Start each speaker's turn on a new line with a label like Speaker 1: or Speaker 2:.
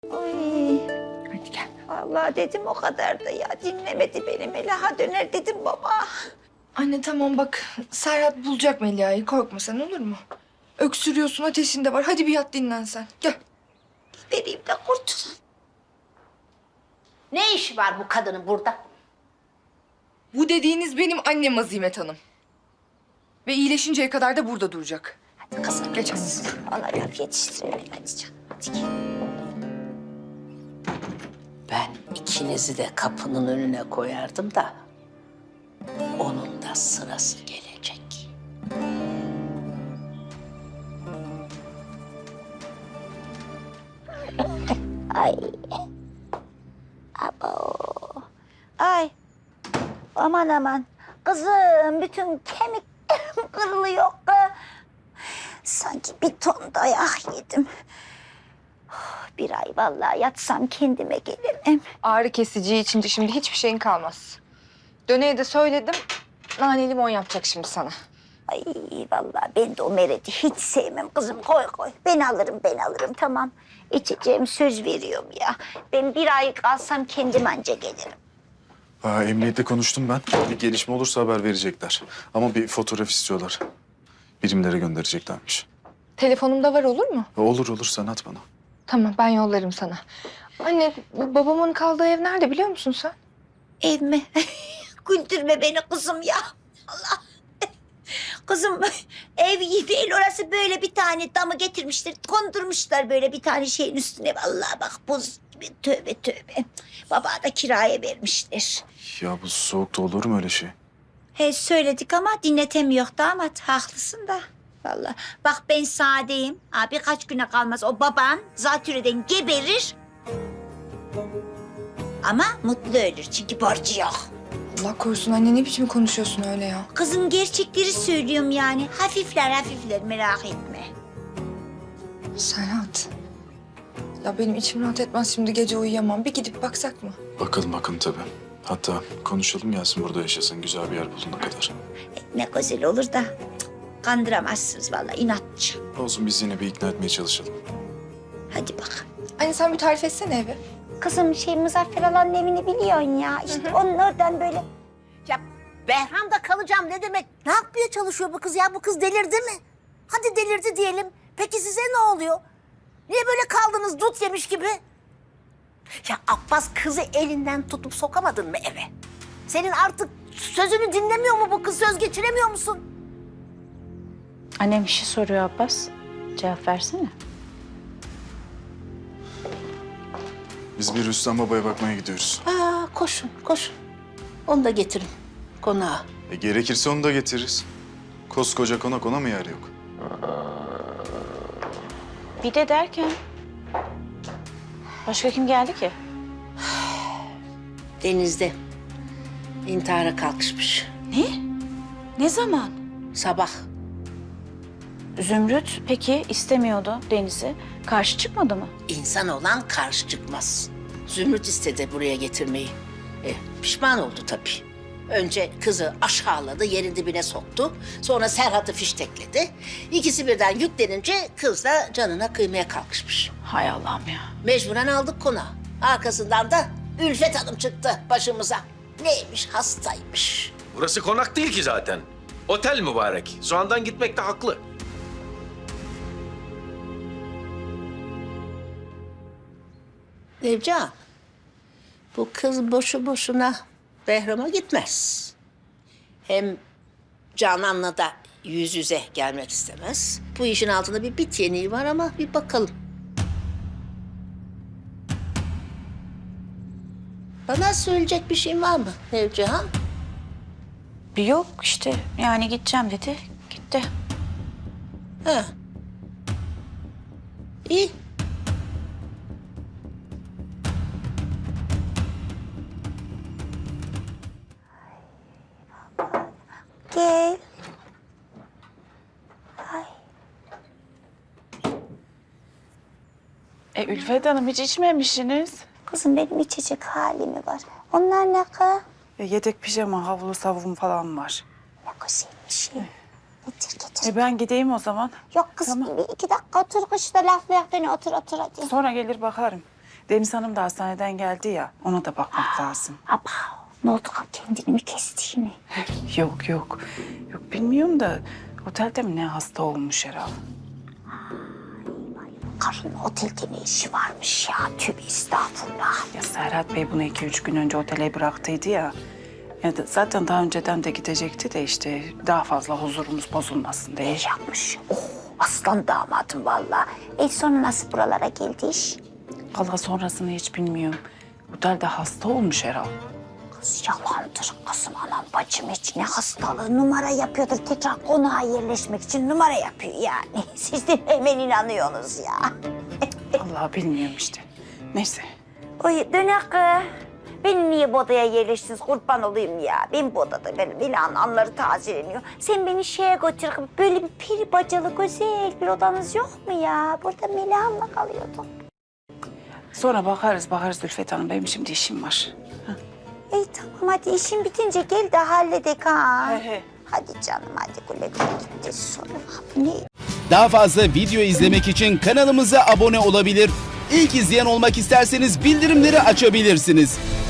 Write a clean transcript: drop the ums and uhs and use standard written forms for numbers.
Speaker 1: Ay,
Speaker 2: Hadi gel.
Speaker 1: vallahi dedim o kadar da ya. Dinlemedi beni. Melaha döner dedim baba.
Speaker 2: Anne tamam bak. Serhat bulacak Melia'yı. Korkma sen, olur mu? Öksürüyorsun, ateşin de var. Hadi bir yat dinlen sen. Gel.
Speaker 1: Vereyim de kurtulun.
Speaker 3: Ne işi var bu kadının burada?
Speaker 2: Bu dediğiniz benim annem Azimet Hanım. Ve iyileşinceye kadar da burada duracak.
Speaker 1: Hadi kızım.
Speaker 2: Geç anne.
Speaker 1: Ona laf yetiştirelim. Hadi canım. Hadi gel.
Speaker 3: Ben ikinizi de kapının önüne koyardım da onun da sırası gelecek.
Speaker 1: Ay. Abo. Ay. Aman aman. Kızım bütün kemiklerim kırılıyor. Sanki bir ton dayak yedim. Bir ay vallahi yatsam kendime gelirim.
Speaker 2: Ağrı kesici içince şimdi hiçbir şeyin kalmaz. Döne'ye de söyledim. Nane limon yapacak şimdi sana.
Speaker 1: Ay vallahi ben de o Meret'i hiç sevmem kızım. Koy koy. Ben alırım tamam. İçeceğim söz veriyorum ya. Ben bir ay kalsam kendim anca gelirim.
Speaker 4: Emniyette konuştum ben. Bir gelişme olursa haber verecekler. Ama bir fotoğraf istiyorlar. Birimlere göndereceklermiş.
Speaker 2: Telefonumda var, olur mu?
Speaker 4: Olur sen at bana.
Speaker 2: Tamam, ben yollarım sana. Anne, bu babamın kaldığı ev nerede biliyor musun sen?
Speaker 1: Ev mi? Güldürme beni kızım ya. Allah. Kızım ev iyi değil orası, böyle bir tane damı getirmişler. Kondurmuşlar böyle bir tane şeyin üstüne. Vallahi bak buz gibi, tövbe tövbe. Baba da kiraya vermişler.
Speaker 4: Ya bu soğukta olur mu öyle şey?
Speaker 1: He söyledik ama dinletemiyor damat. Haklısın da. Vallahi bak ben sadeyim. Birkaç güne kalmaz o baban zatürreden geberir. Ama mutlu ölür çünkü borcu yok.
Speaker 2: Allah korusun anne, ne biçim konuşuyorsun öyle ya?
Speaker 1: Kızım gerçekleri söylüyorum yani. Hafifler merak etme.
Speaker 2: Serhat. Ya benim içim rahat etmez, şimdi gece uyuyamam. Bir gidip baksak mı?
Speaker 4: Bakalım tabii. Hatta konuşalım, gelsin burada yaşasın, güzel bir yer bulana kadar.
Speaker 1: Ne güzel olur da cık, kandıramazsınız vallahi, inatçı.
Speaker 4: Olsun, biz yine bir ikna etmeye çalışalım.
Speaker 1: Hadi bak.
Speaker 2: Anne sen bir tarif etsene evi.
Speaker 1: Kızım Muzaffer Alan'ın evini biliyorsun ya. İşte onun oradan böyle.
Speaker 3: Ya Behram'da kalacağım ne demek? Ne yapmaya çalışıyor bu kız ya? Bu kız delirdi mi? Hadi delirdi diyelim. Peki size ne oluyor? Niye böyle kaldınız dut yemiş gibi? Ya Abbas, kızı elinden tutup sokamadın mı eve? Senin artık sözünü dinlemiyor mu bu kız? Söz geçiremiyor musun?
Speaker 5: Annem bir şey soruyor Abbas. Cevap versene.
Speaker 4: Biz bir Rüstem Baba'ya bakmaya gidiyoruz.
Speaker 3: Koşun. Onu da getirin konağa.
Speaker 4: Gerekirse onu da getiririz. Koskoca konak, ona mı yer yok?
Speaker 5: Bir de derken... Başka kim geldi ki?
Speaker 3: Denizde intihara kalkışmış.
Speaker 5: Ne? Ne zaman?
Speaker 3: Sabah.
Speaker 5: Zümrüt peki istemiyordu Deniz'i. Karşı çıkmadı mı?
Speaker 3: İnsan olan karşı çıkmaz. Zümrüt istedi buraya getirmeyi. Pişman oldu tabii. Önce kızı aşağıladı, yerin dibine soktu. Sonra Serhat'ı fiştekledi. İkisi birden yüklenince kız da canına kıymaya kalkışmış.
Speaker 5: Hay Allah'ım ya.
Speaker 3: Mecburen aldık konağı. Arkasından da Ülfet Hanım çıktı başımıza. Neymiş, hastaymış.
Speaker 6: Burası konak değil ki zaten. Otel mübarek. Soğandan gitmekte haklı.
Speaker 3: Nevcan, bu kız boşu boşuna Behram'a gitmez. Hem Canan'la da yüz yüze gelmek istemez. Bu işin altında bir bit yeniği var ama bir bakalım. Bana söyleyecek bir şeyin var mı Nevcihan?
Speaker 5: Yok işte yani gideceğim dedi. Gitti.
Speaker 3: Ha. İyi.
Speaker 1: Gel.
Speaker 5: Ülfet Hanım hiç içmemişsiniz.
Speaker 1: Kızım benim içecek halimi var. Onlar ne kız?
Speaker 7: Yedek pijama, havlu, savun falan var.
Speaker 1: Ne güzel bir şey. Getir.
Speaker 7: Ben gideyim o zaman.
Speaker 1: Yok kızım
Speaker 7: Tamam.
Speaker 1: bir iki dakika otur kışta laflayak beni, otur hadi.
Speaker 7: Sonra gelir bakarım. Deniz Hanım da hastaneden geldi ya, ona da bakmak lazım.
Speaker 1: Aba, ne oldu? Kendini mi kesti yine?
Speaker 7: Yok yok. Yok bilmiyorum da otelde mi ne hasta olmuş herhalde.
Speaker 1: Karının otelde ne işi varmış ya? Tövbe estağfurullah.
Speaker 7: Ya Serhat Bey bunu 2-3 gün önce otele bıraktıydı ya. Zaten daha önceden de gidecekti de işte daha fazla huzurumuz bozulmasın diye.
Speaker 1: İyi yapmış. Oh, aslan damadım vallahi. Sonra nasıl buralara geldi iş?
Speaker 7: Valla sonrasını hiç bilmiyorum. Otelde hasta olmuş herhalde.
Speaker 1: Kız yalandır kızım, anam bacım hiç ne hastalığı, numara yapıyordur. Tekrar konağa yerleşmek için numara yapıyor yani. Siz de hemen inanıyorsunuz ya.
Speaker 7: Vallahi bilmiyorum işte. Neyse.
Speaker 1: Oy dönek. Beni niye bu odaya yerleştiniz, kurban olayım ya. Ben bu odada benim anları tazeleniyor. Sen beni şeye götür, böyle bir peri bacalı güzel bir odanız yok mu ya? Burada Meliha'mla kalıyordum.
Speaker 7: Sonra bakarız Zülfet Hanım. Benim şimdi işim var.
Speaker 1: İyi tamam, hadi işin bitince gel de halledek ha.
Speaker 7: He.
Speaker 1: Hadi canım, hadi güle güle gitti sonra. Bu ne?
Speaker 8: Daha fazla video izlemek için kanalımıza abone olabilir. İlk izleyen olmak isterseniz bildirimleri açabilirsiniz.